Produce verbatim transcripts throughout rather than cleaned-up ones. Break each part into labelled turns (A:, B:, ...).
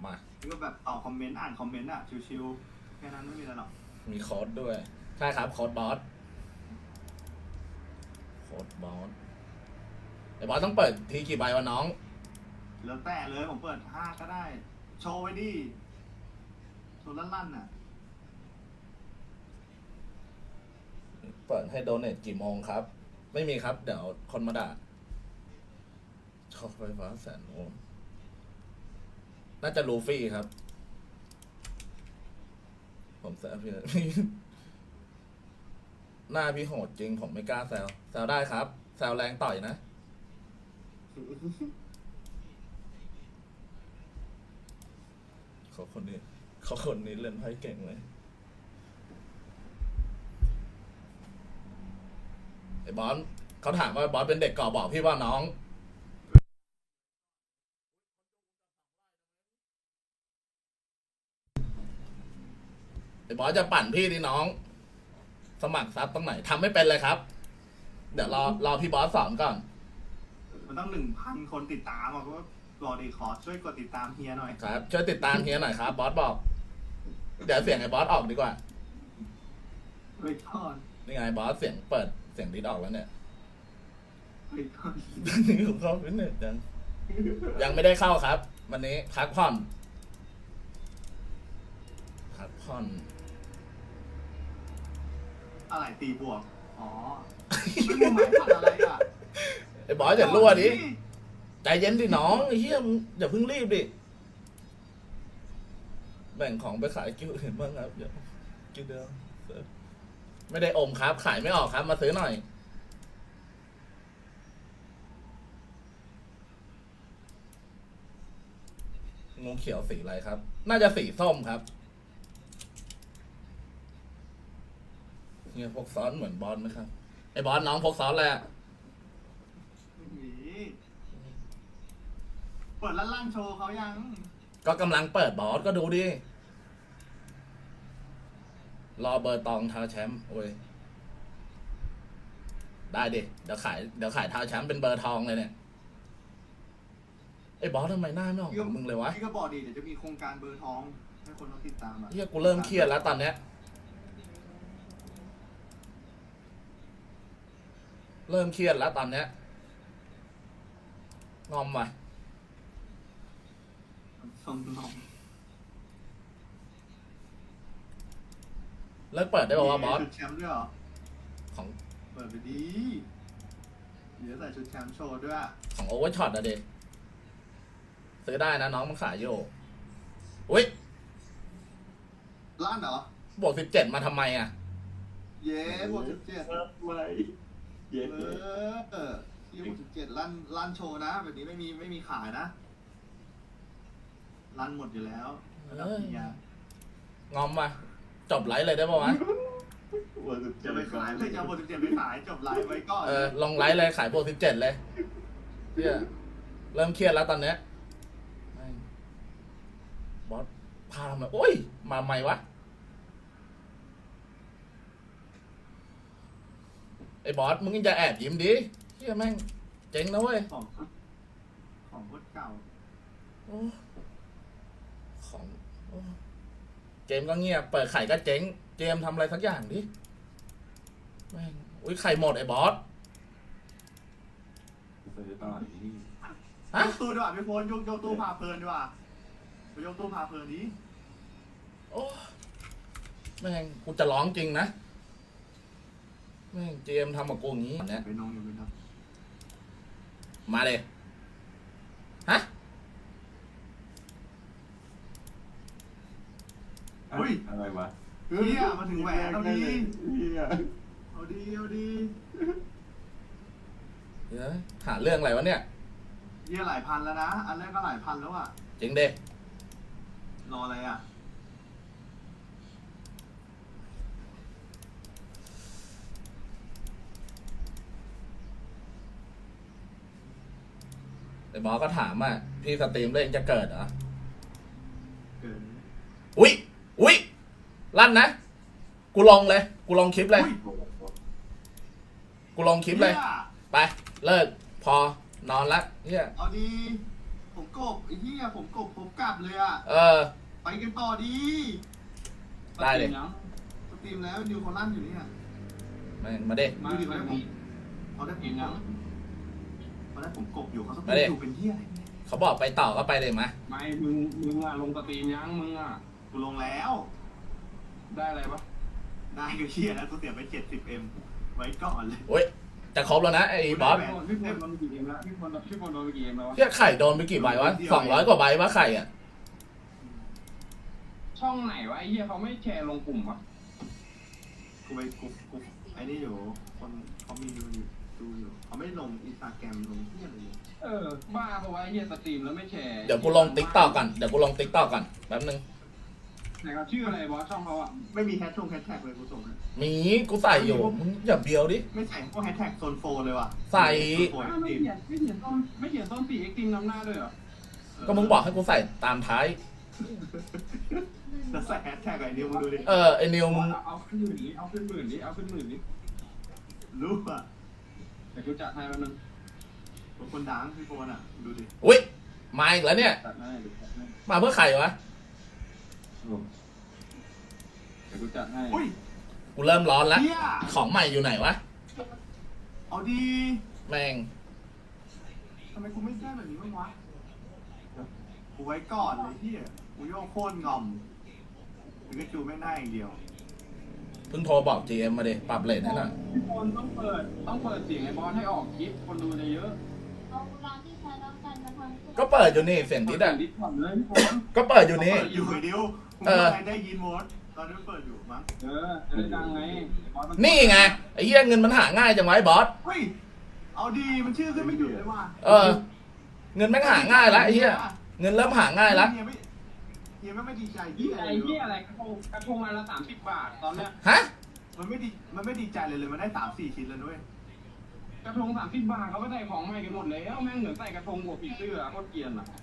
A: มา
B: ก็แบบตอบคอมเมนต์อ่านคอมเมนต์อ่ะชิวๆแค่นั้นไม่มีอะไรหรอก
A: มีโค้ดด้วยใช่ครับโค้ดบอสโค้ดบอสไอ้บอสต้องเปิดทีกี่ใบวะน้อง
B: แล้วแต่เลยผมเปิดห้าก็ได้โชว์ไว้ดิโชว์ลั่นๆน่ะ
A: เปิดให้โดเนทกี่โมงครับไม่มีครับเดี๋ยวคนมาด่าชอบไฟฟ้าแสนโวลต์น่าจะลูฟี่ครับผมแซวพี่ หน้าพี่โหดจริงผมไม่กล้าแซวแซวได้ครับแซวแรงต่อยนะเขาคนนี้เขาคนนี้เล่นไพ่เก่งเลยไอ้บอสเขาถามว่าบอสเป็นเด็กก่อบอกพี่ว่าน้องไอ้บอสจะปั่นพี่ดิน้องสมัครซับตรงไหนทำไม่เป็นเลยครับเดี๋ยวรอรอพี่บอสสอนก่อน
B: มันต้องหนึ่งพันคนติดตามอ่ะก็รอดีขอช่วยกดติดตามเฮียหน่อย
A: ครับช่วยติดตามเฮียหน่อยครับบอสบอกเดี๋ยวเสียงไอ้บอสออกดีกว่า
B: เฮ้ยทอน
A: นี่ไงบอสเสียงเปิดเสียงดิสออกแล้วเนี่ย
B: เฮ้ยทอน
A: เข้าฟิตเนสยังยังไม่ได้เข้าครับวันนี้พักผ่อนพักผ่อน
B: อะไรตีบวกอ๋อไม่รู้ไหมทำอะไรอ่ะ
A: ไอ้บอสอย่ารั่วดิใจเย็นดิน้องไอ้เหี้ยอย่าเพิ่งรีบดิแบ่งของไปขายกิ้วอื่นบ้างครับอย่ากิ้วเดียวไม่ได้อมครับขายไม่ออกครับมาซื้อหน่อยงูเขียวสีอะไรครับน่าจะสีส้มครับเนี่ยพกซ้อนเหมือนบอลไหมครับไอ้บอลน้องพกซ้อนอะไรอะ
B: เปิดลั่นลั่นโชว์เขายัง
A: ก็กำลังเปิดบอสก็ดูดิรอเบอร์ตองท้าแชมป์โอ้ยได้ดิเดี๋ยวขายเดี๋ยวขายท้าแชมป์เป็นเบอร์ทองเลยเนี่ยไอ้บอสทำไมหน้าไม่ออกของมึงเลยวะ
B: พี่ก็บอกดิเดี๋ยวจะมีโครงการเบอร์ทองให้คนเขาติดตามอ่ะ
A: เฮียกูเริ่มเครียดแล้วตอนเนี้ยเริ่มเครียดแล้วตอนเนี้ยงอมว่ะ
B: สมนอง
A: เลิกเปิดได้ป่าวะบอส
B: ชุดแชมป์ด้วยเหรอ
A: ของ
B: เปิดไปดีเดี๋ยวใส่ชุดแชมป์โชว์ด้วย
A: ของโอเวอร์ช็อตอะเด็กซื้อได้นะน้องมันขายอยู่อุ้ย
B: ล้านเหรอบ
A: วกสิบเจ็ดมาทำไมอะ
B: เย้บวกสิบเจ็ด
C: อะไรเย้
B: เออเออที่บวกสิบเจ็ดล้านล้านโชว์นะแบบนี้ไม่มีไม่มีขายนะล้านหมดอยู่แล้วระดับเฮีย
A: งอมว่ะจบไลฟ์เลยได้ป่าวะ
B: จะไปขายไม่จะบวกสิบเจ็ดไปขายจบไลฟ์ไว้ก่อน
A: เออลงไลฟ์เลยขายบวกสิบเจ็ดเลยเฮียเริ่มเครียดแล้วตอนเนี้ยบอสพามาโอ้ยมาใหม่วะไอ้บอสมึงจะแอบยิ้มดิเฮียแม่งเจ๋งนะเว้ย
B: ของของพดเก่า
A: ของเกมก็เงียบเปิดไข่ก็เจ๊งเกมทำอะไรสักอย่างดิแม่งอุ้ยไข่หมดไอ้บอส
C: ซื้อตลาดนี้
B: ฮะตู้ดีกว่าพี่โฟนยกยกตู้พาเพลินดีกว่าไปยกตู้พาเพลินนี้
A: โอ้แม่งกูจะร้องจริงนะแม่งเจมทำกับกูอย่างนี้เนี่ย
B: ไปน้องอยู่ไหมครับ
A: มาเลยฮะ
B: อุ้ย
C: อะไรวะ
B: เฮียมาถึงแหวนเอาดี
C: เฮีย
B: เอาดีเอาดี
A: เดี๋ยวหาเรื่องอะไรวะเนี่ย
B: เฮียหลายพันแล้วนะอันแรกก็หลายพันแล้วอ่ะ
A: จริงเด้
B: รออะไรอ่ะ
A: ไอ้บอสก็ถามอ่ะพี่สตรีมเล่นจะเกิดเหรอ
B: เกิด
A: อุ้ยอุ้ยลั่นนะกูลงเลยกูลงคลิปเลยกูลงคลิปเลยไปเลิกพอนอนละเฮีย
B: เอาดีผมกบไอ้เหี้ยผมกบผมกลับเลยอ่ะ
A: เออ
B: ไปกันต่อดี
A: ได้เลย
B: สตรีมแล้วนิวเขาลั่นอยู่เนี่ย
A: แม่งมาดิ
B: ดูดิเขาได้ผมเขาได้ผมกบเขาได้ผมกบอยู่เขาสตรี
A: มาดิ
B: มอยู่เป็นเหี้ยอะไร
A: เขาบอกไปต่อก็ไปเลยมา
D: ไม่มึงมึงอะลงสตรีมยังมึงอะ
B: กูลงแล้ว
D: ได้อะไรปะ
B: ได้ก็เหี้ยแล้วกูเสียไปเจ็ดสิบเอ็มไว้ก่อนเลย
A: โอ้ยจะครบแล้วนะไอ้บอส
D: พี่พลพี่พลโดนไปกี่เกมแล้วพี่พลพี่พลโดนไปกี่เกมแล้ววะ
A: เฮียไข่โดนไปกี่ใบวะสองร้อยกว่าใบวะไข่อ่ะ
D: ช่องไหนวะไอ้เหี้ยเขาไม่แชร์ลงกลุ่มวะ
B: กูไปกูกูไอ้นี่อยู่คนเขามีดูอยู่ดูอยู่เขาไม่ลงอินสตาแกรมลงเหี้ยอะไรเลย
D: เออบ้าเพราะว่าไอ้เหี้ยสตรีมแล้วไม่แชร์
A: เดี๋ยวกูลงติ๊กต็อกก่อนเดี๋ยวกูลงติ๊กต็อกก่อนแป๊บนึง
D: ไหนครับชื่ออะไรบอสช่องเขาอะ
B: ไม่มีแฮชทงแฮชแท็กเลยกูส่งให้
A: มีกูใส่อยู่มึงอย่าเบียวดิ
B: ไม่ใส่พวกแฮชแท็กโซนโฟเลยว่ะ
A: ใส่
B: โซนโฟ
D: อ้าวไม่
B: ทีม
D: เขียนไม่เขียนต้นไม่เขียนต้นสี่เอ็กซ์ทีมนำหน้าด้วยเหรอ
A: ก็มึงบอกให้กูใส่ตามท้าย
B: แล้วใส่แฮชแท็กไอ้นิวมึงดูดิ
A: เออไอ้นิวมึง
D: เอาเอาขึ้นหมื่นนี้เอาขึ้นหมื่นนี้เอาขึ้นหมื่นนี้
B: รู้อ่ะ
D: แต่กูจัดให้แป๊บนึง
B: คนดังพี่โฟนอ่ะดูดิ
A: อุ้ยมาอีกแล้วเนี่ย
D: จัดให้เดี๋ยวจัดให้
A: มาเพื่อไข่วะ
D: เดี๋ยวกูจัดให้
B: อุ้ย
A: กูเริ่มร้อนแล้ว
B: เฮีย
A: ของใหม่อยู่ไหนวะ
B: เอาดี
A: แม่ง
B: ทำไมกูไม่แก้แบบนี้บ้างวะกูไว้ก่อนเลยที่กูโยกโค่นงอมถึงกระจูไม่ได้อย่างเดียว
A: เพิ่งโทรบอก จี เอ็ม มาดิปรับเลทให้หน่อย
D: พี่พลต้องเปิดต้องเปิดเสียงไอ้บอสให้ออกคลิปคนดูจะเยอะ
E: เอาร้านที่ใช้แล้วกันมาทำ
A: ก็เปิดอยู่นี่เสียงทิศอ่ะ
D: ดิสก่อนเลยพี่พล
A: ก็เปิดอยู่นี่
B: เปิดอยู่ไอ้ดิวกู
A: เออ
B: ไม่ได้ยินหมดตอนนี้เปิดอยู่มั้ง
D: เออจะได้ดังไงบอสมั
A: นี่ไงไอ้เหี้ยเงินมันหาง่ายจังไวะไอ้บอส
B: เฮ้ยเอาดีมันชื่อขึ้นไม่หยุดเลยว่ะ
A: เออ เงินแม่งหาง่ายแล้วไอ้เหี้ยเงินเริ่มหาง่ายแล้ว
B: เฮียไม่เฮียไม่ไม่ดีใจ
D: ยี่
B: เฮีย
D: ไอ้เหี้ยอะไรกระทงกระทงมาละสามสิบบาทตอนเนี้ย
A: ฮะ
B: มันไม่ดีมันไม่ดีใจเลยเลยมันได้สามสี่ชิ้นแล้วด้วย
D: กระทงสามสิบบาทเขาก็ได้ของใหม่กันหมดแล้วแม่งเหมือนใส่กระทงบวกผีเสื้อโคตรเกรียนอ่ะ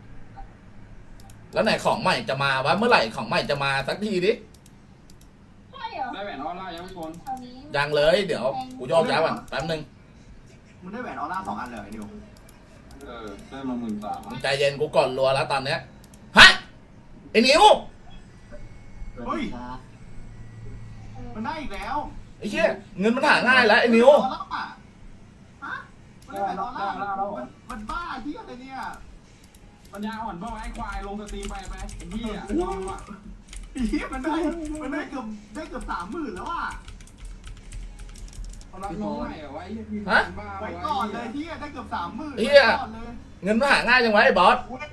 A: แล้วไหนของใหม่จะมาวะเมื่อไหร่ของใหม่จะมาสักทีดิ
E: ใช่เหรอ
D: ได้แหวนออนไลน์ยังพี่พล
E: แถวนี้
A: ยังเลยเดี๋ยวกูโยกย้ายก่อนแป๊บนึง
B: มึงได้แหวนออร่าสองอันเลยไอ้นิว
D: เออได้มาหมื่นสาม
A: มึงใจเย็นกูก่อนรัวแล้วตอนเนี้ยฮะไอ้นิว
B: เฮ้ยมันได้อีกแล้ว
A: ไอ้เหี้ยเงินมันหาง่ายแล้วไอ้นิว
B: ออร่าอะฮะมันได้แหวนออร่ามันมันบ้าที่อะไรเนี่ย
D: ปัญญาอ่อนบ้าไอ้ควายลงสตรีมไปไปไอ้เหี้ยลองว่ะ
B: เฮียมันได้มันได้เกือบได้เกือบสามหมื่นแล้วอ่ะ
D: เขารับน้องใหม่เหรอวะไอ้เหี้ยพี่บ้า
B: ไว้ก่อนเลยเฮียได้เกือบสามหมื่น
A: เหี้ย
B: ก่อนเลย
A: เงินมันหาง่ายจังไวะไอ้บอส
B: เว้ย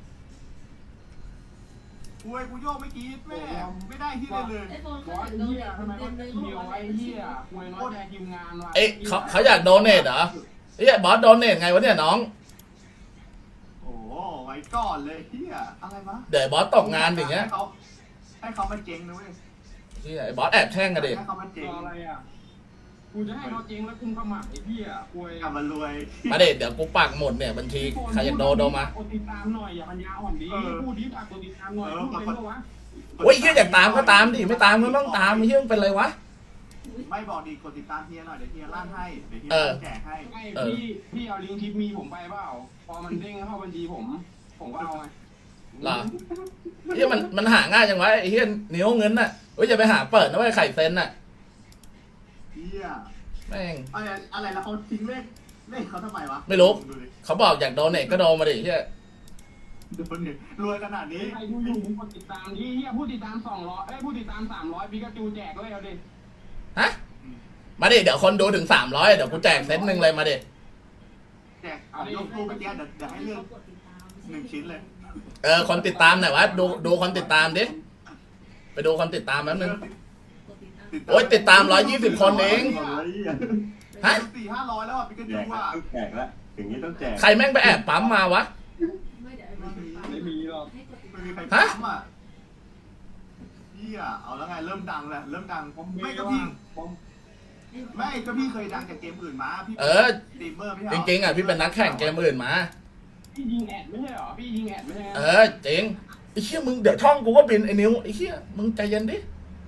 B: เว้ยกูโยกไม่กรีดแม่ไม่ได้ที่เลยเลย
E: ไอโฟน
D: บอสไอ้เหี้ยทำไมก็เดียวไอ้เหี้ยควยน้อยแจกทีมงานว่ะ
A: เอ้ยเขาเขาอยากโดเนทเหรอไอ้เหี้ยบอสโดเนทไงวะเนี่ยน้อง
B: โอ้โหไว้ก่อนเลยเฮียอะไรวะ
A: เดี๋ยวไอ้บอสตกงานอย่างเงี้ย
B: ให้เขาให้เขามาเจ๊งนะเว้ย
A: เหี้ยไอ้บอสแอบแช่งกันดิ
B: ให้เขามาเจ๊ง
D: รออะไรอ่ะกูจะให้เขาจริงแล้วกุมขมับไอ้เหี้ยควย
B: กลับมารวย
A: มาเด็ดเดี๋ยวกูปักหมดเนี่ยบัญชีใครอยากโดโดมา
D: กดติดตามหน่อยอย่าปัญญาอ่อนดีพูดดีฝากกดติดตามหน่อยพูดเป็นปะวะ
A: โอ้ยเหี้ยอยากตามก็ตามดิไม่ตามก็ไม่ต้องตามไอ้เหี้ยมันเป็นไรวะ
B: ไม่บอกดีกดติดตามเฮียหน่อยเดี๋ยวเฮียลั่นให้เดี๋ยวเฮีย
A: เออ
B: แจกให้
D: ไม่พี่พี่เอาลิงก์ทิปมีผมไปเปล่าพอมันเด้งเข้าบัญชีผม ผมก็เอาไง
A: เหรอเหี้ยมันมันหาง่ายจังวะไอ้เหี้ยนิ้วเงินน่ะเฮ้ยอย่าไปหาเปิดนะเว้ยไข่เซนน่ะ
B: เฮีย
A: แม่ง
B: อะไรอะไรแล้วเขาทิ้งเลขเลขเขาทำไมวะ
A: ไม่รู้
B: ดูดิ
A: เขาบอกอยากโดเนทก็โดมาดิเหี้ย
B: ดูดิรวยขนาดนี้
D: ใครดูอยู่มึงกดติดตามที่เฮียผู้ติดตามสองร้อยเอ้ยผู้ติดตามสามร้อยปิกาจูแจกเลยเอาดิ
A: ฮะมาดิเดี๋ยวคนดูถึงสามร้อยเดี๋ยวกูแจกเซตหนึ่งเลยมาดิ
B: แจกเอายกรูปไปแจกเดี๋ยวเดี๋ยวให้เลือกหนึ่งชิ้นเลย
A: เออคนติดตามหน่อยวะดูดูคนติดตามดิไปดูคนติดตามแป๊บนึง โอ๊ยติดตามร้อยยี่สิบคนเอง ฮะ
B: สี่ห้าร้อยแล้วอ่ะปิกา
C: แจ
B: จู
C: กละ
B: อ่ะ
C: ต้องแจกละอย่างนี้ต้องแจก
A: ใครแม่งไปแอบปั๊มมาวะ
D: ไม่มีหรอก
B: ไม่มีใคร
A: ฮะ
B: ปั๊มอ่ะเฮียเอาแล้วไงเริ่มดังแล้วเริ่มดัง
D: ผม
B: ไม่
D: ไม่
B: ก็
D: ก็
B: พี่
D: พี่ผม
B: ไม่ก็พี่เคยดังจากเกมอื่นมาพี่
A: เออ
B: สตรีมเมอร์ไม่
A: จ
B: ใช่เหรอ
A: ริงๆอ่ะพี่เป็นนักแข่งเกมอื่นมา
D: พี่ยิงแอดไม่ใช่หรอพี่ยิงแอดไม่ใช่
A: เออจริงไอ้เชี่ยมึงเดี๋ยวช่องกูก็บินไอ้นิ้วไอ้เชี่ยมึงใจเย็นดิ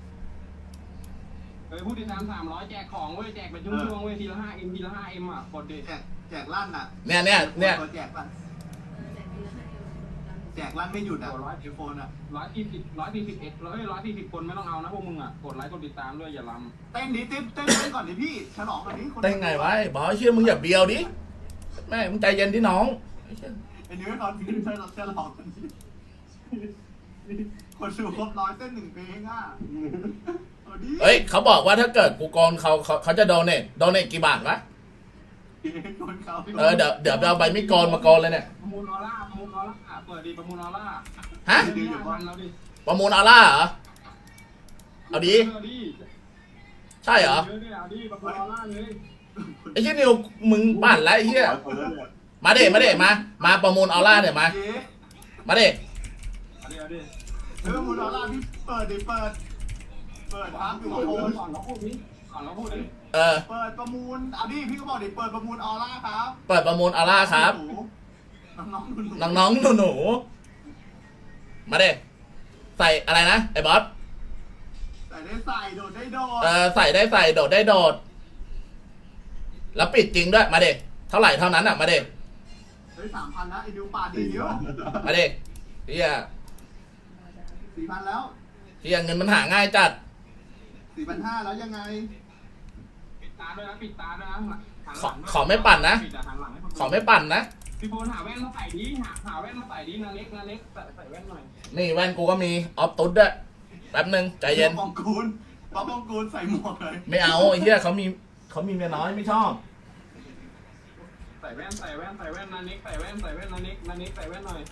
D: เออผู้ติดตามสามร้อยแจกของเว้ยแจกเป็นช่วงๆเว้ยทีละห้าเอ็มทีละห้าเอ็มอ่ะกดดิ
B: แจกแจกลั่นอ่ะ
A: เนี่ยเนี่ยเนี่ย
B: ตัวแจกลั่นแจกลั่นไม่หยุดอ่ะไอโฟนอ่ะ
D: ร้อยสี่สิบร้อยสี่สิบเอ็ดร้อยร้อยสี่สิบคนไม่ต้องเอานะพวกมึงอ่ะกดไลค์กดติดตามด้วยอย่าลำ
B: เต้นดิเต้นเต้นเต้นก่อนดิพี่ฉลองก่อนดิคน
A: เต้นไงวะไอ้บอสเชื่อมึงอย่าเบียวดิแม่มึงใจเย็นดิน้องไอ้เหี้ย
B: ไอ้นิ้วให้เขาพี่ฉลองฉลองกันดิคนดูครบร้อยเต้นหนึ่งเพลงอ่ะเอาดิ
A: เฮ้ยเขาบอกว่าถ้าเกิดกูโกนเขาเขาเขาจะโดเนทโดเนทกี่บาทวะ
B: คนเขา
A: เออเดี๋ยวเดี๋ยวเอาใบมีดโกนมาโกนเลยเนี่ย
D: ประมูลออร่าประมูลออร่าเปิดดีประมูลออร่า
A: ฮะ
D: ดีอยู่บ้านเราดิ
A: ประมูลออร่าเหรอเอาดี
D: เออดิ
A: ใช่เหรอ
D: เยอะเนี่ยเอาดิประมูลออร่าเลย
A: ไอ้เหี้ยนิวมึงปั่นแล้วไอ้เหี้ย
C: คนแล้วเนี่ย
A: มาเด็มาเด็มามาประมูลออร่าเนี่ยมา
B: เย้
A: มาเด็
D: เอาดิเอาดิ
B: เออมูลอล่าพี่เปิดดิเปิด เปิดครับอยู่
D: ก่
B: กับโฟน
D: อนเราพูดนี้ก่อนเราพูดนี้
A: เออ
B: เปิดประมูลเอาดิพี่ก็บอกดิเปิดประมูลออร่าครับ
A: เปิดประมูลออร่าครับ
B: น้องๆหนูๆ
A: น้องๆหนูๆมาเด็ใส่อะไรนะไอ้บอส
B: ใส่ได้ใส่โดดได้โดด
A: เออใส่ได้ใส่โดดได้โดด แล้วปิดจริงด้วยมาเด็เท่าไหร่เท่านั้นอ่ะมาเด็
B: เฮ้ยสามพันนะไอ้ดิวป่าดีเยอะ
A: มาเด็เฮีย
B: สี่พันแล้ว
A: เฮียเงินมันหาง่ายจัด
B: สี่พันห้าแล้วยังไง
D: ปิดตาด้วยนะปิดตาด้วยนะหันหลัง
A: ขอขอไม่ปั่นนะ
D: ปิดหันหลังให้คนดู
A: ขอไม่ปั่นนะ
D: พี่โฟนหาแว่นมาใส่ดิหาหาแว่นมาใส่ดินาเล็กนาเล็กใส่ใส่แว่นหน่อย
A: นี่แว่นกูก็มีออฟตุ๊ดด้วยแป๊บนึงใจเย็น
B: ปองกูลป๊อปปองกูลใส่หมวกเลย
A: ไม่เอาไอ้เฮียเขามีเขามีเมียน้อยไม่ชอบ
D: ใส่แว่นใส่แว่นใส่แว่นนาเล็กใส่แว่นใส่แว่นนาเล็กนาเล็กใส่แว่นหน่อย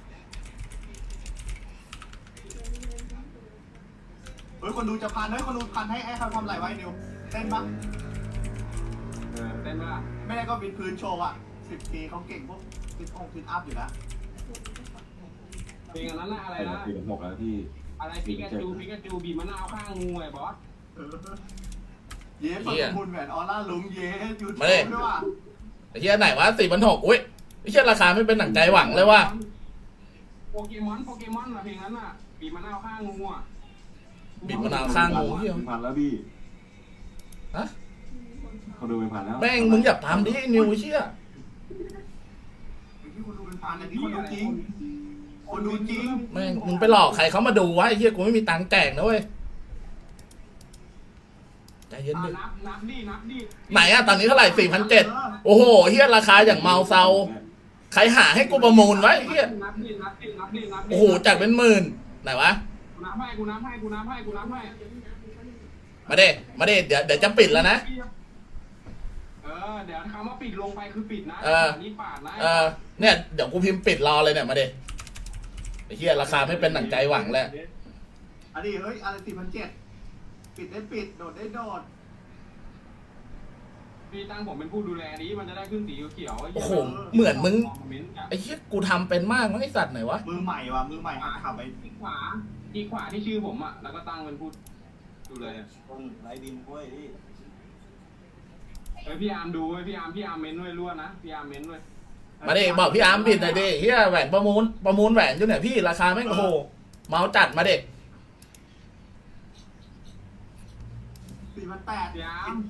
B: เฮ้ยคนดูจะพันเฮ้ยคนดูพันให้ให้เขาทำอะไรไว้นิวเต้นปะ
D: เออเต้นป่ะ
B: ไม่ได้ก็วิดพื้นโชว์อ่ะสิบปีเขาเก่งพวกซิทองซิทอัพอยู่นะ
D: เพลงอันนั้นน่ะอะไร
C: ใส่
D: นะ
C: สี่หกแล้วพี่
D: อะไรปิกาจูปิกาจูบีบมะนาวข้างงูไอ้บอส
B: เออเย้เปิดประมูลแหวนออร่าลุงเย้ยูทูบ
A: มาดิ
B: ด้วยว่ะ
A: ไอ้เฮียไหนวะสี่พันหกอุ้ยไอ้เฮียราคาไม่เป็นหนังใจหวังเลยว่ะ
D: โปเกมอนโปเกมอนอะเพลงนั้นน่ะบีบมะนาวข้างงูอ่ะ
A: บีบมะนาวข้างงูเฮีย
C: เป็นพันแล้วพี่
A: ฮะ
C: เขาดูเป็นพันแล้ว
A: แม่งมึงอย่าทำดินิวเชี่ย
B: ที่คนดูเป็นพันอันนี้คนดูจริง คนดูจริง
A: แม่งมึงไปหลอกใครเขามาดูวะไอ้เฮียกูไม่มีตังค์แจกนะเว้ยใจเย็น
D: อ่ะ
A: ดิ
D: นับนับดินับดิ
A: ไหนอะตอนนี้เท่าไหร่สี่พันเจ็ดโอ้โหเฮียราคาอย่างเมาเซาใครหาให้กูประมูลไว้ไอ้เฮีย
D: นับดินับดินับดินับดิ
A: โอ้โหจากเป็นหมื่นไหนวะ
D: กูนับให้กูนับให้กูนับให้กูนับให้
A: มาเด้มาเด้เดี๋ยวเดี๋ยวจะปิดแล้วนะ
D: เออเดี๋ยวคำว่าปิดลงไปคือปิดนะ
A: เออ
D: นี่ปาดนะ
A: เออเนี่ยเดี๋ยวกูพิมพ์ปิดรอเลยเนี่ยมาเด้ไอ้เฮียราคาไม่เป็นหนังใจหวังแล้ว
B: อันนี้เฮ้ยอะไรสี่พันเจ็ดปิดได้ปิดโดดได้โดด
D: พี่ตั้งผมเป็นผู้ดูแลนี้มันจะได้ขึ้นสีเขียวๆไ
A: โอ้โหเหมือนมึง
D: คอมเมนต์อะ
A: ไอ้เฮียกูทำเป็นมากมั้งไอ้สัตว์ไหนวะ
B: มือใหม่ว่ะมือใหม่หัดขับไป
D: อีกขวาอีกขวาที่ชื่อผมอ่ะแล้วก็ตั้งเป็นผู้ดูแล
C: ต้องไล่ดินกล้วยพี่
D: เอ้ยพี่อาร์มดูเว้ยพี่อาร์มพี่อาร์มเม้นด้วยรั่วนะพี่อาร์มเม้นด้วย
A: มาดิบอกพี่อาร์มปิดหน่อยดิเฮียแหวนประมูลประมูลแหวนอยู่เนี่ยพี่ราคาแม่งโอ้โหเมาจัดมาเด็ก
B: สี่พันแปด
D: พี่อาร์ม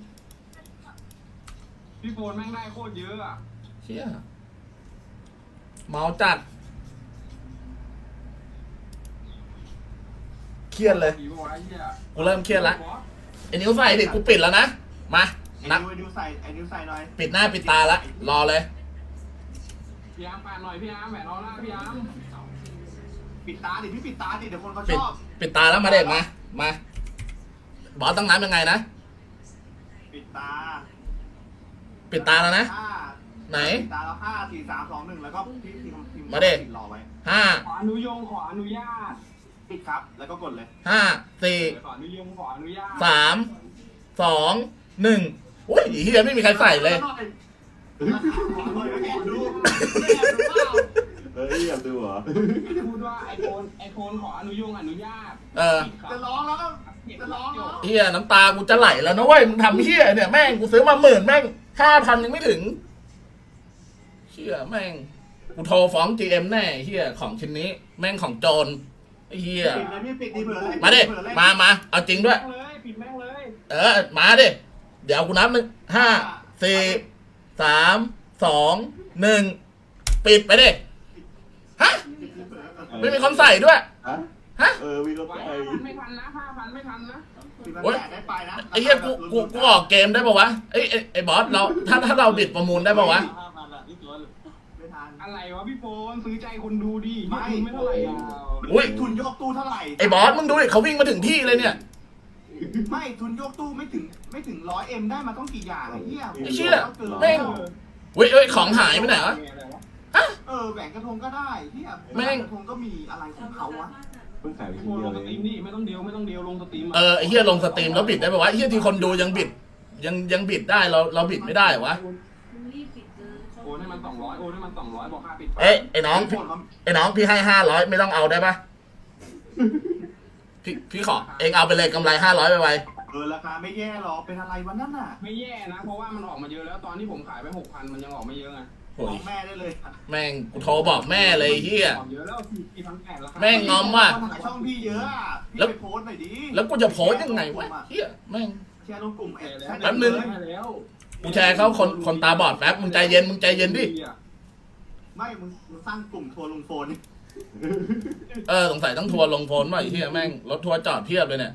D: พี่โฟนแม่งได้โคตรเยอะอ่ะ
A: เชี่ยเมาจัดเครียดเลย
D: ผีบอกว่าไอ้เหี้ย
A: กูเริ่มเครียดละ ไอ้นิ้วใส่ดิกูปิดแล้วนะมา
B: ไอ้
A: นับ
B: นิ้วไอ้นิ้วใส่ไอ้นิ้วใส่หน่อย
A: ปิดหน้าปิดตาละรอเลย
D: พี่อาร์มปาดหน่อยพี่อาร์มแหวนออร่าพี่อาร์ม
B: ปิดตาดิพี่ปิดตาดิเดี๋ยวคนเขา
A: ปิ
B: ช
A: ด
B: อบ
A: ปิดตาแล้วมาเด็กมามาบอสต้องนับยังไงนะ
B: ปิดตา
A: ปิดตาแล้วนะ
B: ห้า
A: ไหน
B: ปิดตาแล้วห้าสี่สามสองหนึ่งแล้วก็พิมพ์พิมพ์พิมพ์
A: มาดิ
B: รอไว้
A: ห้า
D: ขออนุโยงขออนุญาต
B: ปิดครับแล้วก็กดเลย
A: ห้าสี่
D: เออขออนุโยงขออนุญาต
A: สามสองหนึ่งโอ้ยเฮียไม่มีใครใส่เลย
B: ดูแอบดูแอบดูเปล่า
C: เฮ้ยอยากดูเหรอ
D: พูดว่าไอโฟนไอโฟนขออนุโยงอนุญาต
A: เออ
B: จะร้องแล้วก็จะร้องแล้ว
A: เฮียน้ำตากูจะไหลแล้วนะเว้ยมึงทำเฮียเนี่ยแม่งกูซื้อมาหมื่นแม่งห้าพันยังไม่ถึงเฮียแม่งกูโทรฟ้อง จี เอ็ม แน่เฮียของชิ้นนี้ แม่งของโจรไอ้เฮีย
B: ปิดเลยพี่ปิดดีเผื่อเลย
A: มาดิ
B: เผื่อเลย
A: มามาเอาจริงด้วย
D: แม่งเลยปิดแม่งเลย
A: เออมาดิเดี๋ยวกูนับหนึ่งห้าสี่สามสองหนึ่งปิดไปดิฮะไม่มีคนใส่ด้วย
C: ฮะ
A: ฮะ
C: เออมีคน
D: ไว้
C: ใส่
D: ห้าพันไม่ทันนะห้าพันไม่ทันนะ
B: ที่มัน
A: โอ๊ย
B: แจกได้ไปนะ
A: ไอ้เหี้ยกูกูกูออกเกมได้ปะวะไอ้ไอ้ไอ้บอสเราถ้าถ้าเราบิดประมูลได้ปะวะ
C: ห้าพันอ่ะพี่ตัว
B: ไม่ทัน
D: อะไรวะพี่โฟนซื้อใจคนดูดิ
B: ไม่
D: ทุนไม่เท่าไหร่อ่ะ
A: อุ้ย
B: ทุนยกตู้เท่าไหร่
A: ไอ้บอสมึงดูดิเขาวิ่งมาถึงที่เลยเนี่ย
B: ไม่ทุนยกตู้ไม่ถึงไม่ถึงร้อยเอ็มได้มาต้องกี่อย่างไอ้เหี้ย
A: ไอ้เชี่ย
B: แม่
A: แม่ง เว้ยเอ้ยของหายไปไหนวะ
B: เออแหวนกระทงก็ได้เหี้ย
A: แม่ง
B: กระทงก็มีอะไรของเขาวะ
C: เพิ่งใส่ไป
D: พี่
C: ที
D: โฟน
C: เดี
D: ล
C: ยว
D: ง
C: เล
D: ส
C: ย
D: ตรีมดิไม่ต้องเดียวไม่ต้องเดียวลงสตรีม
A: เออไอ้เหี้ยลงสตรีมแล้วบิดได้ปะวะไอ้เหี้ยที่คนดูยังบิด ยังยังบิดได้เราเราบิดไม่ได้วะ
D: โอนให้มันสองร้อยโอนให้มันสองร้อยบอกค่าปิด
A: เอ้ยไอ้น้อง
B: ห
A: พี่
B: มดมัน
A: ไอ้น้องพี่ให้ห้าร้อยไม่ต้องเอาได้ปะพี่พี่ขอเองเอาไปเลยกำไรห้าร้อยไปไว
B: เออราคาไม่แย่หรอกเป็นอะไรวันนั้นน่ะ
D: ไม่แย่นะ เพราะว่ามันออกมาเยอะแล้วตอนที่ผมขายไปหกพันมันยังออกไม่เยอะไง
A: โอ้
B: บ
A: ย
B: อกแม่ได้เลย
A: แม่งกูโทรบอกแม่เลยไอ้เฮีย
D: ออกเยอะแล้วสี่พันแปดราคา
A: แม่งงอมว่ะ
B: คนหาช่องพี่เยอะอะพี่
A: แล้ว
B: ไปโพสต์หน่อยดิ
A: แล้วกูจะโพสยังไงวะเฮียแม่ง
B: แชร์ลงกลุ่มเอ็ด
A: แป๊บนึง
D: ได้แล้ว
A: กูแชร์เขาคนคนตาบอดแป๊บมึงใจเย็นมึงใจเย็นดิ
B: ไม่มึงมึงสร้างกลุ่มทัวร์ลงโฟน
A: เออสงสัยต้องทัวร์ลงโฟนว่ะไอ้เฮียแม่งรถทัวร์จอดเพียบเลยเนี่ย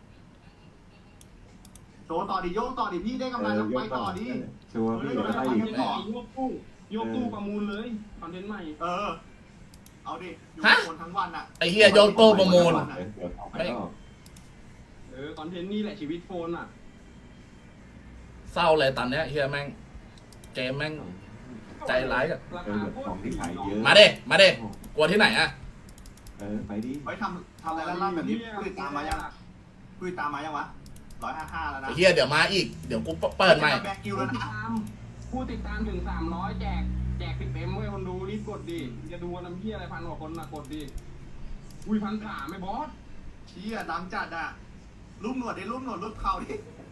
B: โชว์ต่อดิโยกต่อดิพี่ได้กำไรแล้วไปต่อดิ
C: ชัวร์พี่เดี๋ยวได้อีก
D: ยกตู้ยกตู้ประมูลเลยคอนเทนต์ใหม่
B: เออ เอาดิอยู่
A: ฮะ
B: คนทั้งวันอ่ะ
A: ไอ้เฮียโยกโต้ประมูล
C: เดี๋ยวเอาไปต่อ
D: เออคอนเทนต์นี่แหละชีวิตโฟนอ่ะ
A: เศร้าเลยตอนเนี้ยเฮียแม่งเกมแม่ง ใจร้ายอะ
D: รา
C: เอ
D: คา
C: อ
D: โคต
C: ของที่ขายเย
D: ร
C: อะ
A: มาเด้มาเด้กลัวที่ไหนอะ
C: เออไปดิ
B: ไว้ทำทำอะไรลั่นๆแบบนี้คุยตามมายังคุยตามมายังวะร้อยห้าห้าแล้วนะ
A: ไอ้เฮียเดี๋ยวมาอีกเดี๋ยวกูเปิดใหม่
B: แบกกิว
D: ผู้
B: แล้ว
D: ติด
B: นะ
D: ตามผู้ติดตามถึงสามร้อยแจกแจกสิบเอ็มเว้ยคนดูรีบกดดิจะดูน้ำเพี้ยอะไรพันกว่าคนนะกดดิอุ้ยพันสามไม่บอส
B: เชี่ยดังจัดอ่ะรูปหนวดดิรูปหนวดรูปเขาดิ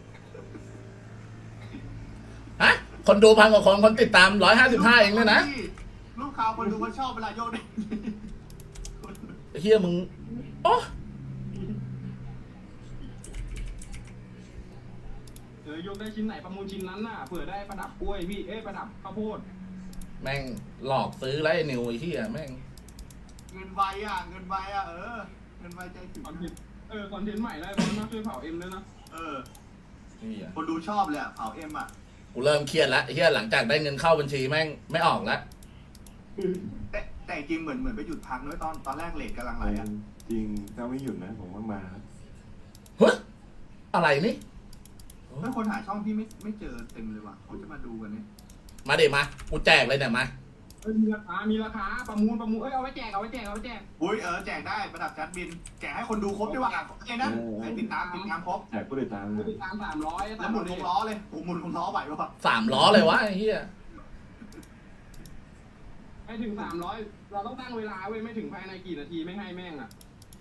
A: ฮะคนดูพันกว่าคนคนติดตามร้อยห้าสิบห้าเองเนี่ยนะ
B: รูปเขาคนดูเขาชอบเวลาโยกเด้ง
A: ไอ้เฮียมึงโอ้
D: เออยกได้ชิ้นไหนประมูลชิ้นนั้นน่ะเผื่อได้ประดับกล้วยพี่เอ้ยประดับข้าวโพด
A: แม่งหลอกซื้อแล้วไอ้นิวไอ้เฮียแม่ง
B: เงินไวอ่ะเงินไวอ่ะเออเงินไวใจถึง
D: คอนเทนต์เออคอนเทนต์ใหม่ได้บอสมาช่วยเผาเอ็มด้วยนะ
B: เออ
A: เหี้ย
B: คนดูชอบเลยอ่ะเผาเอ็มอ่ะ
A: กูเริ่มเครียดแล้วไอ้เฮียหลังจากได้เงินเข้าบัญชีแม่งไม่ออกแล้ว
B: แต่แต่จริงเหมือนเหมือนไปหยุดพักด้วยตอนตอนแรกเลทกำลังไหลอ่ะ
C: จริงถ้าไม่หยุดนะผมว่ามา
A: เฮ้ยอะไรนี่
B: เมื่อคนหาช่องพี่ไม่ไม่เจอเต็มเลยว่ะเขาจะมาดูกันเนี่ย
A: มาเดี๋ยวมากูแจกเลยเนี่ยมา
D: เอ้ยมีราคามีราคาประมูลประมูลเอ้ยเอาไว้แจกเอาไว้แจกเอาไว้แจก
B: อุ้ยเออแจกได้ประดับจัดบินแจกให้คนดูครบด้วยว่ะไอ้นั่นไอ้ติดตามติดตามครบ
C: แจกผู้ติดตาม
D: ผู้ติดตามสามร้อย
B: แล้วหมุนวงล้อเลยโอ้หมุนวงล้อไหวป่ะ
A: สามล้อเลยวะไอ้เฮีย
D: ให้ถึงสามร้อยเราต้องตั้งเวลาเว้ยไม่ถึงภายในกี่นาทีไม่ให้แม่งอ่ะ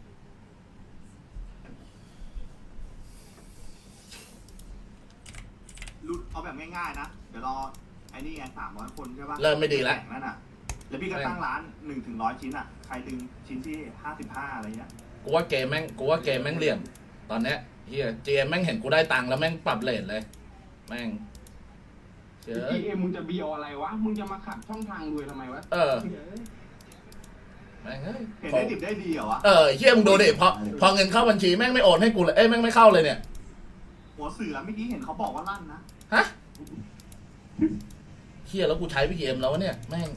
B: รุดเอาแบบง่ายๆนะเดี๋ยวรอไอ้นี่ไงสามร้อยคนใช่ป่ะ
A: เริ่มไม่ดีแล้ว
B: แจกนั่นอ่ะแล้วพี่ก็ตั้งร้านหนึ่งถึงร้อยชิ้นอ่ะใครดึงชิ้นที่ห้าสิบห้าอะไรเงี้ย
A: กูว่าเกมแม่งกูว่าเกมแม่งเหลี่ยม ตอนเนี้ยเฮียเจมแม่งเห็นกูได้ตังค์แล้วแม่งปรับเลทเลย แม่งเจอ
D: พีเอ็มมึงจะเบียวอะไรวะมึงจะมาขัดช่องทางรวยทำไมวะ
A: เออแม่งเอ้ย
B: เห็นได้ดิบได้ดีเหรอวะ
A: เออเฮียมึงดูดิพอพอเงินเข้าบัญชีแม่งไม่โอนให้กูเลยเอ้ยแม่งไม่เข้าเลยเนี่ย
B: หัวเสือเมื่อกี้เห็นเขาบอกว่าลั่นนะ
A: ฮะเฮียแล้วกูใช้พีเอ็มแล้ววะเนี่ยแม่ง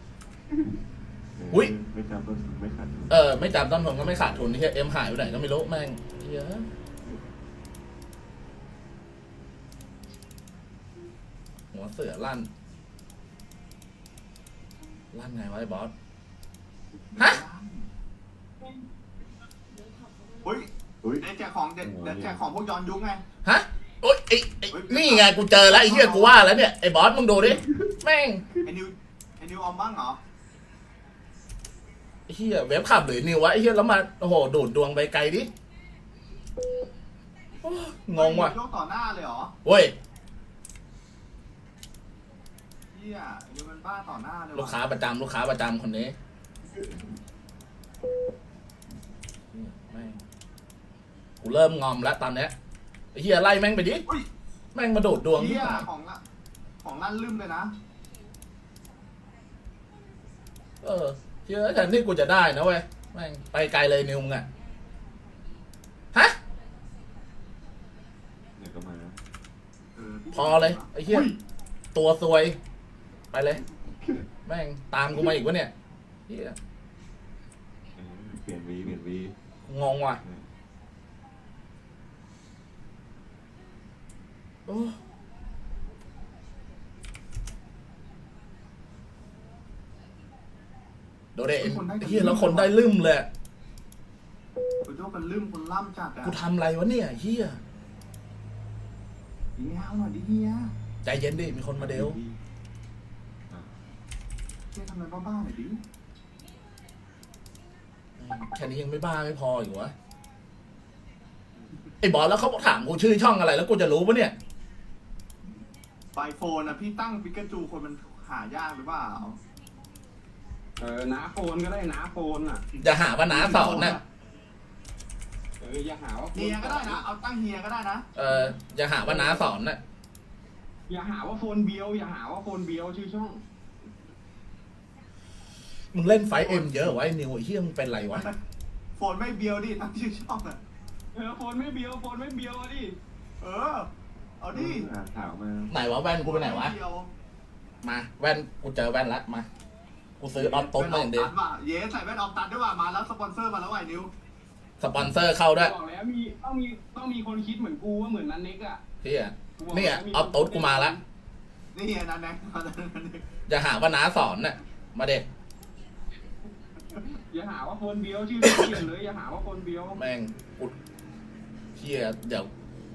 A: อุ๊ย
C: ไม่จำต้นทุนไม่ขาดทุน
A: เออไม่จำต้นทุนก็ไม่ขาดทุนเฮียเอ็มหายไปไหนก็ไม่รู้แม่งเฮียหัวเสือลั่นลั่นไงวะไอ้บอส ฮะ
B: เฮ้ย
C: อุ้ย
B: เดี๋ยวแจกของเด็ดเดี๋ยวแจกของพวกย้อนยุคไง
A: ฮะโอ๊ยไอ้ไอ้นี่ไงกูเจอแล้วไอ้เหี้ยกูว่าแล้วเนี่ยไอ้บอสมึงดูดิแม่ง
B: ไอ้นิวไอ้นิวออมบ้างเหรอ
A: ไอ้เหี้ยเว็บขับหรือนิววะไอ้เหี้ยแล้วมาโอ้โหดูดดวงไปไกลดิโอ้งงว่ะ
B: โยกต่อหน้าเลยเหรอ
A: เว้ย
B: เฮียไอ้นิวมันบ้าต่อหน้าเลย
A: ลูก
B: ว่ะ
A: ค้าประจำลูกค้าประจำคนนี้แม่งกูเริ่มงอมแล้วตอนเนี้ยไอ้เหี้ยไล่แม่งไปดิ
B: อุ้ย
A: แม่งมาดูดดวง
B: เฮี
A: ที่
B: ย
A: ไหน
B: ของละของลั่นลืมเลยนะ
A: เออเชื่อแทนที่กูจะได้นะเว้ยแม่งไปไกลเลยนิวมึงอะฮะ
C: เดี๋ยวก็มา
B: เออ
A: พอเลยไอ้เหี้ย
B: อุ้
A: ตัวซวย ไปเลย แม่งตามกูมาอีกวะเนี่ยเหี้ย
C: เออเปลี่ยนวีเปลี่ยนวี
A: งงว่ะโอ้โดเดนเฮียแล้วคนได้ลืมเลย
B: คุณโจ้เป็นลืมคนล่ำจัดอ่ะ
A: กูทำอะไรวะเนี่ยเฮีย
B: เฮียเอาหน่อยดิเฮีย
A: ใจเย็นดิมีคนมาเดว
C: อ่ะ
B: เฮียทำอะไรบ้าๆหน่อยดิ
A: แค่นี้ยังไม่บ้าไม่พออยู่วะไอ้บอสแล้วเขาถามกูชื่อช่องอะไรแล้วกูจะรู้ปะเนี่ย
B: ไอโฟนอ่ะพี่ตั้งปิกาจูคนมันหายากหรือเปล่า
D: เออน้าโฟนก็ได้น้าโฟนอ่ะ
A: จะหาว่าน้าสอนน่ะ
D: เอออย่าหาว่าโฟน
B: เฮียก็ได้นะเอาตั้งเฮียก็ได้นะ
A: เออจะหาว่าน้าสอนน่ะ
D: อย่าหาว่าโฟนเบียวอย่าหาว่าโฟนเบียวชื่อช่อง
A: มึงเล่นไฟเอ็มเยอะวะไอ้นิวไอ้เฮียมึงเป็นไรวะ
B: โฟนไม่เบียวดิตั้งชื่อช่องอ่ะ
D: เออโฟนไม่เบียวโฟนไม่เบียวอะดิ
B: เออเอาดิ
C: อ่านข่าวมา
A: ไหนวะแว่นกูไปไหนวะ
B: ม่เบียว
A: มาแว่นกูเจอแว่นละมากูซื้อออฟตุ๊ดมาอย่างเดียว
B: แว่นออกตัดว่ะเย้ใส่แว่นออกตัดด้วยว่ะมาแล้วสปอนเซอร์มาแล้วไอ้นิว
A: สปอนเซอร์เข้าด้วย
D: บอกแล้วมีต้องมีต้องมีคนคิดเหมือนกูว่าเหมือนนันเน็กอ่ะ
A: เฮียเนี่ยออฟตุ๊ดกูมาละ
B: นี่เฮียนั่นแน่
A: จะหาว่าน้าสอนน่ะมาเด็ก
D: อย่าหาว่าโฟนเบียวชื่อเปลี่ยนเลยอย่าหาว่าโฟนเบียว
A: แม่งกูเฮียเดี๋ยว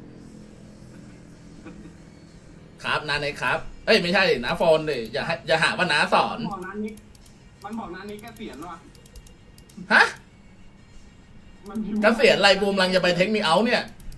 A: ครับนาในครับเอ้ยไม่ใช่น้าโฟนดิอย่าให้อย่าหาว่าน้าสอน
D: มันบอกนันเน็กมันบอกนันเน็กเกษียณว่ะ
A: ฮะ
D: มันพิมพ์
A: เกษียณอะไรบูมลังจะไปเทคนิคเอาท์เนี่ย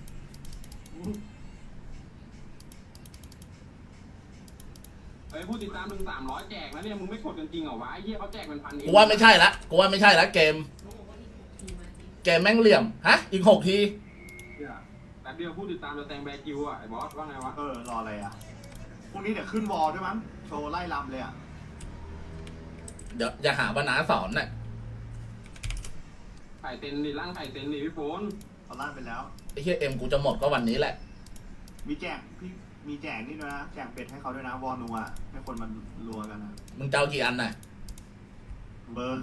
D: เฮ้ยผู้ติดตามถึงสามร้อยแจกนะเนี่ยมึงไม่กดกันจริงเหรอวะไอ้เหี้ยเขาแจกเป็นพันเอง
A: กูว่าไม่ใช่ละกูว่าไม่ใช่ละเกม เกมแม่งเหลี่ยมฮะอีกหกที
D: เนี่ยแต่เดียวผู้ติดตามจะแซงแบร์คิวอ่ะไอ้บอสว่าไงวะ
B: เออรออะไรอ่ะพรุ่งนี้เดี๋ยวขึ้นวอลด้วยมั้งโชว์ไล่ลำเลยอ่ะ
A: เดี๋ยวอย่าหาว่าน้าสอนน่ะ
D: ไข่เต็นดิร่างไข่เต็นดิพี่โฟน
B: เอาลั่นไปแล้ว
A: ไอ้เฮียเอ็มกูจะหมดก็วันนี้แหละ
B: มีแจกพี่มีแจกนี่ด้วยนะแจกเป็ดให้เขาด้วยนะวอลนัวให้คนมันรัวกันนะ
A: มึงจะเอากี่อันน่ะ
B: เบอร์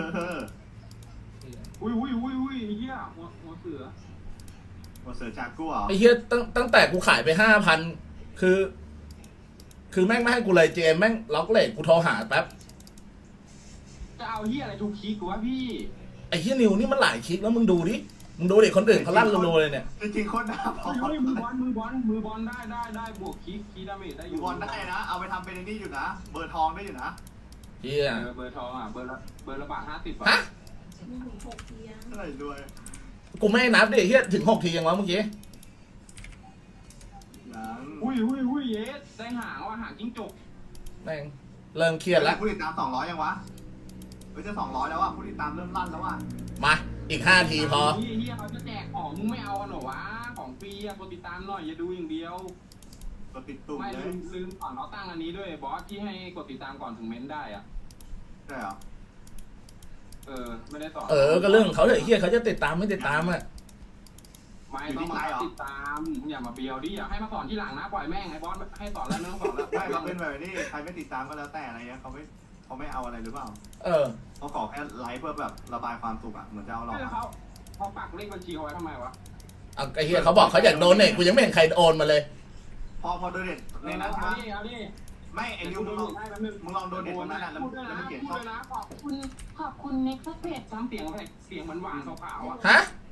D: อุ้ยอุ้ยอุ้ยอุ้ยไอ้เหี้ยหัวหัวเสือ
B: วอเสือจากกู้เหรอ
A: ไอ้เฮียตั้งตั้งแต่กูขายไปห้าพันคือ คือแม่งไม่ให้กูเลยเจมแม่งล็อกเลทกูโทรหาแป๊บ
D: จะเอาเหี้ยอะไรทุกคลิกวะพี่
A: ไอ้เฮียนิวนี่มันหลายคลิกแล้วมึงดูดิมึงดูดิคนอื่นเขาลั่นรัวๆเลยเนี่ย
B: จริงๆโคตรน่าพอ
D: เฮ้ยมือบอลมือบอลมือบอลได้ได้ได้บวกคลิกคลิกดาเมจได้อ
B: อยู่
D: ยู่
B: บอลได้นะ เอาไปทำเป็นไอ้นี่อยู่นะ เบอร์ทองได้อยู่นะ
A: เฮีย
D: เออเบอร์ทองอ่ะเบอร์ละเบอร์ละบาทห้าสิบ
A: ฮะ
E: มีถึงหกเทียง
B: เท่าไหร่ด้วย
A: กูไม่ให้นับดิเฮียถึงหกทียังวะเมื่อกี้
B: ยัง
D: อุ้ยอุ้ยอุ้ยเยสได้หางว่ะหางจิ้งจก
A: แม่งเริ่มเครียดแล้ว
B: ผู้ติดตามสองร้อยยังวะเฮ้ยจะสองร้อยแล้วอ่ะผู้ติดตามเริ่มลั่นแล้วอ่ะ
A: มาอีกห้าทีพอ
D: เฮียเฮียเขาจะแจกของมึงไม่เอากันเหรอวะของฟรีอะกดติดตามหน่อยอย่าดูอย่างเดียว
B: กดติดตุ่ม
D: ไม่
B: เล
D: ลื
B: ย
D: มลืมก่อนเราตั้งอันนี้ด้วยบอสที่ให้กดติดตามก่อนถึงเม้นได้อ่ะ
B: ใช่เหรอ
D: เออไม่ได้สอน
A: เออก็เรื่องของเขาเลยเฮียเขาจะติดตามไม่ติดตามอ่ะ
D: ไม่ต้องมาติดตามอย่ามาเบียวดิอยากให้มาสอนที่หลังนะปล่อยแม่งไอ้บอสให้สอนแล้วเนื้อสอนแล้ว
B: ไม่เขาเป็นแบบนี้ใครไม่ติดตามก็แล้วแต่อะไรเงี้ยเขาไม่เขาไม่เอาอะไรหรือเปล่า
A: เออ
B: เขาขอแค่ไลฟ์เพื่อแบบระบายความสุขอ่ะเหมือนจะเอาหลอก
D: ไม่แล้วเขาเขาปักเลขบัญชีเอาไว้ทำไมวะ
A: เอาไอ้เฮียเขาบอกเขาอยากโดนเนี่ยกูยังไม่เห็นใครโอนมาเลย
B: พอพอโดนเด็ดในนั้น
D: เอา
B: ใช่ไหม
D: ดิเอาดิ
B: ไม่ไอ้นิวมึงลองมึงลองโดนเด็ดตรงนั้นอ่ะแล้ว
D: พูดด้วย
B: แล้ว
D: นะ
B: มึงเขียน
D: พู
B: ช่
D: ด
B: อง
D: ด้วยนะขอบ
E: คุณขอบคุณเน็กซ์เพจ
D: ซ้ำเสียงอะไรเสียงเหมือนหวานขาวๆอ่ะ
A: ฮะ